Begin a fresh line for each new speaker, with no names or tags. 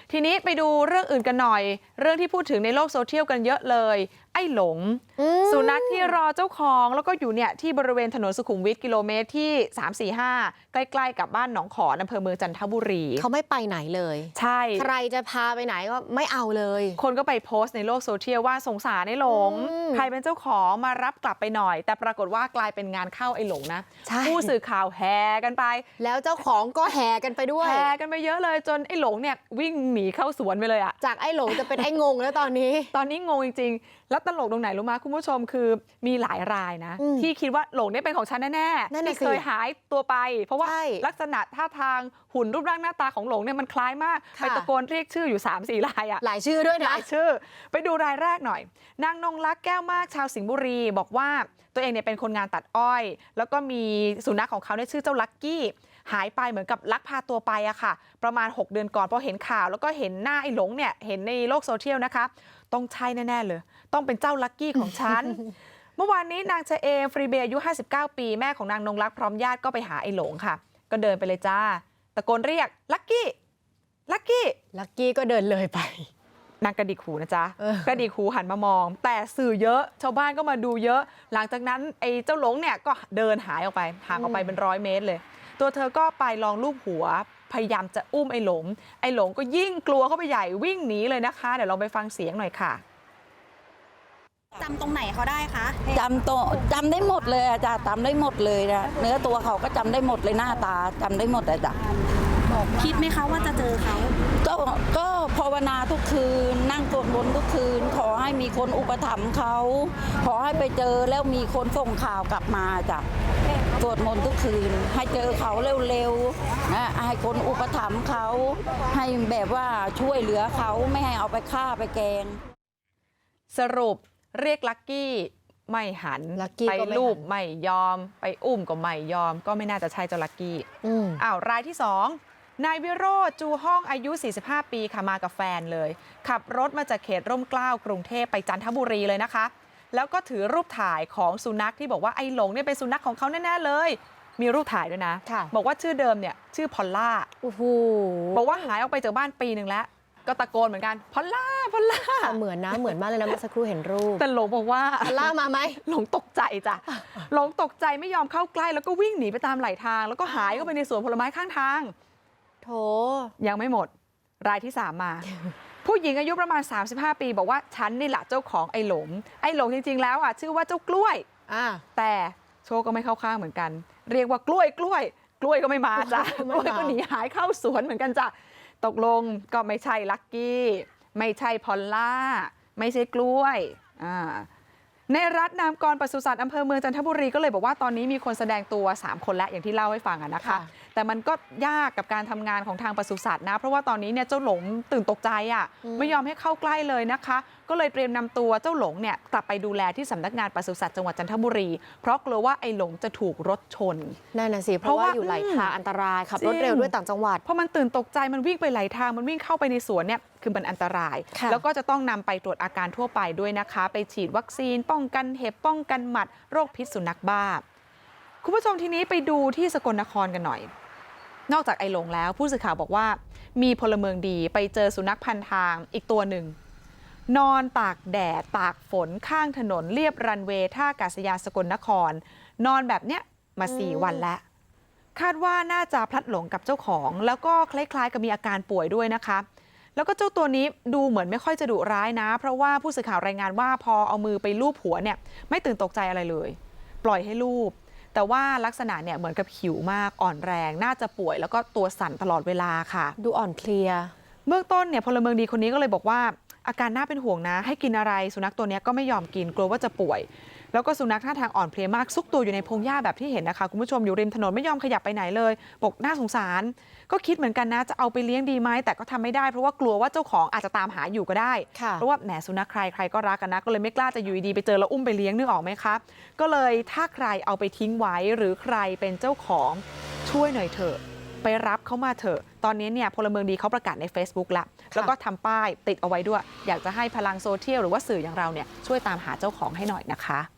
ทีนี้ไปดูเรื่องอื่นกันหน่อยเรื่องที่พูดถึงในโลกโซเชียลกันเยอะเลยไอ้หลงสุนัขที่รอเจ้าของแล้วก็อยู่เนี่ยที่บริเวณถนนสุขุมวิทกิโลเมตรที่345ใกล้ๆกับบ้านหนองขอนอำเภอเมืองจันทบุรี
เขาไม่ไปไหนเลย
ใช่
ใครจะพาไปไหนก็ไม่เอาเลย
คนก็ไปโพสต์ในโลกโซเชียลว่าสงสารไอ้หลงใครเป็นเจ้าของมารับกลับไปหน่อยแต่ปรากฏว่ากลายเป็นงานเข้าไอ้หลงนะผู้สื่อข่าวแห่กันไป
แล้วเจ้าของก็แห่กันไปด้วย
แห่กันไปเยอะเลยจนไอ้หลงเนี่ยวิ่งหนีเข้าสวนไปเลยอะ
จากไอ้หลงจะเป็นไอ้งงแล้วตอนนี้
งงจริงๆแล้วตลกตรงไหนรู้ไหมคุณผู้ชมคือมีหลายรายนะที่คิดว่าหลงเนี่ยเป็นของฉันแน่ๆที่เคยหายตัวไปเพราะว่าลักษณะท่าทางหุ่นรูปร่างหน้าตาของหลงเนี่ยมันคล้ายมากไปตะโกนเรียกชื่ออยู่ 3-4 รายอะ
หลายชื่อด้วยนะ
หลายชื่อไปดูรายแรกหน่อยนางนงลักษณ์แก้วมากชาวสิงห์บุรีบอกว่าตัวเองเนี่ยเป็นคนงานตัดอ้อยแล้วก็มีสุนัขของเขาเนี่ยชื่อเจ้าลักกี้หายไปเหมือนกับลักพาตัวไปอะค่ะประมาณ6 เดือนก่อนพอเห็นข่าวแล้วก็เห็นหน้าไอ้หลงเนี่ยเห็นในโลกโซเชียลนะคะต้องใช่แน่ๆเลยต้องเป็นเจ้าลักกี้ของฉัน เมื่อวานนี้นางเชเอมฟรีเบย์อายุ59 ปีแม่ของนางนงลักษณ์พร้อมญาติก็ไปหาไอ้หลงค่ะก็เดินไปเลยจ้าตะโกนเรียกลักกี้ลักกี้
ก็เดินเลยไป
นางกระดิกหูนะจ๊ะกระดิกหูหันมามองแต่สื่อเยอะชาวบ้านก็มาดูเยอะหลังจากนั้นไอ้เจ้าหลงเนี่ยก็เดินหายออกไปห่างออกไปเป็น100 เมตรเลยตัวเธอก็ไปลองลูบหัวพยายามจะอุ้มไอ้หลงก็ยิ่งกลัวเข้าไปใหญ่วิ่งหนีเลยนะคะเดี๋ยวลองไปฟังเสียงหน่อยค่ะ
จำตรงไหนเขาได้คะ
จำได้หมดเลยจ้ะจำได้หมดเลยนะเนื้อตัวเขาก็จำได้หมดเลยหน้าตาจำได้หมดเลยจ้ะ
คิดไหมคะว่าจะเจอเขา
ก็ภาวนาทุกคืนนั่งสวดมนต์ทุกคืนขอให้มีคนอุปถัมภ์เขาขอให้ไปเจอแล้วมีคนส่งข่าวกลับมาจ้ะสวดมนต์ทุกคืนให้เจอเขาเร็วๆนะให้คนอุปถัมภ์เขาให้แบบว่าช่วยเหลือเขาไม่ให้เอาไปฆ่าไปแกง
สรุปเรียกลักกี้ไม่หันไปลูบไม่ยอมไปอุ้มก็ไม่ยอมก็ไม่น่าจะใช่เจ้าลักกี้รายที่2นายวิโรจน์จูห้องอายุ45 ปีค่ะมากับแฟนเลยขับรถมาจากเขตร่มเกล้ากรุงเทพไปจันทบุรีเลยนะคะแล้วก็ถือรูปถ่ายของสุนัขที่บอกว่าไอ้หลงเนี่ยเป็นสุนัขของเขาแน่ๆเลยมีรูปถ่ายด้วยนะบอกว่าชื่อเดิมเนี่ยชื่อพอลล่าบอกว่าหายออกไปจากบ้านปีนึงแล้วก็ตะโกนเหมือนกันพอลล่า
เหมือนนะเหมือนมากเลยนะเมื่อสักครู่เห็นรูป
แต่หลงบอกว่า
พอลล่ามาไหม
หลงตกใจจ้ะหลงตกใจไม่ยอมเข้าใกล้แล้วก็วิ่งหนีไปตามไหลทางแล้วก็หายเข้าไปในสวนผลไม้ข้างทาง
โถ
ยังไม่หมดรายที่3มาผู้หญิงอายุประมาณ35 ปีบอกว่าฉันนี่แหละเจ้าของไอ้หลงจริงๆแล้วอ่ะชื่อว่าเจ้ากล้วยแต่โชคก็ไม่เข้าข้างเหมือนกันเรียกว่ากล้วยก็ไม่มาจ้ะกล้วยก็หนีหายเข้าสวนเหมือนกันจ้ะตกลงก็ไม่ใช่ลักกี้ไม่ใช่พอลล่าไม่ใช่กล้วยในรัฐนามกรปศุสัตว์อำเภอเมืองจันทบุรีก็เลยบอกว่าตอนนี้มีคนแสดงตัว3 คนแล้วอย่างที่เล่าให้ฟังนะคะแต่มันก็ยากกับการทำงานของทางปศุสัตว์นะเพราะว่าตอนนี้เนี่ยเจ้าหลงตื่นตกใจไม่ยอมให้เข้าใกล้เลยนะคะก็เลยเตรียมนำตัวเจ้าหลงเนี่ยกลับไปดูแลที่สำนักงานปศุสัตว์จังหวัดจันทบุรีเพราะกลัวว่าไอ้หลงจะถูกรถชน
นั่นน่ะสิเพราะว่าอยู่ไหลทางอันตรายขับรถเร็วด้วยต่างจังหวัด
เพราะมันตื่นตกใจมันวิ่งไปไหลทางมันวิ่งเข้าไปในสวนเนี่ยคือมันอันตรายแล้วก็จะต้องนำไปตรวจอาการทั่วไปด้วยนะคะไปฉีดวัคซีนป้องกันเห็บป้องกันหมัดโรคพิษสุนัขบ้าคุณผู้ชมทีนี้ไปดูที่สกลนครกันหน่อยนอกจากไอ้หลงแล้วผู้สื่อข่าวบอกว่ามีพลเมืองดีไปเจอสุนัขพันทางอีกตัวหนึ่งนอนตากแดดตากฝนข้างถนนเลียบรันเวย์ท่าอากาศยานสกลนครนอนแบบเนี้ยมา4 วันแล้วคาดว่าน่าจะพลัดหลงกับเจ้าของแล้วก็คล้ายๆกับมีอาการป่วยด้วยนะคะแล้วก็เจ้าตัวนี้ดูเหมือนไม่ค่อยจะดุร้ายนะเพราะว่าผู้สื่อข่าวรายงานว่าพอเอามือไปลูบหัวเนี่ยไม่ตื่นตกใจอะไรเลยปล่อยให้ลูบแต่ว่าลักษณะเนี่ยเหมือนกับหิวมากอ่อนแรงน่าจะป่วยแล้วก็ตัวสั่นตลอดเวลาค่ะ
ดูอ่อนเพลีย
เบื้องต้นเนี่ยพลเมืองดีคนนี้ก็เลยบอกว่าอาการน่าเป็นห่วงนะให้กินอะไรสุนัขตัวนี้ก็ไม่ยอมกินกลัวว่าจะป่วยแล้วก็สุนัขท่าทางอ่อนเพลียมากซุกตัวอยู่ในพงหญ้าแบบที่เห็นนะคะคุณผู้ชมอยู่ริมถนนไม่ยอมขยับไปไหนเลยบอกน่าสงสารก็คิดเหมือนกันนะจะเอาไปเลี้ยงดีไหมแต่ก็ทำไม่ได้เพราะว่ากลัวว่าเจ้าของอาจจะตามหาอยู่ก็ได้เพราะว่าแหมสุนัขใครก็รักกันนะก็เลยไม่กล้าจะอยู่ดีไปเจอแล้วอุ้มไปเลี้ยงนึกออกไหมคะก็เลยถ้าใครเอาไปทิ้งไว้หรือใครเป็นเจ้าของช่วยหน่อยเถอะไปรับเขามาเถอะตอนนี้เนี่ยพลเมืองดีเขาประกาศใน Facebook แล้วก็ทำป้ายติดเอาไว้ด้วยอยากจะให้พลังโซเชียลหรือว่าสื่ออย่างเราเนี่ยช่วยตามหาเจ้าของให้หน่อยนะคะ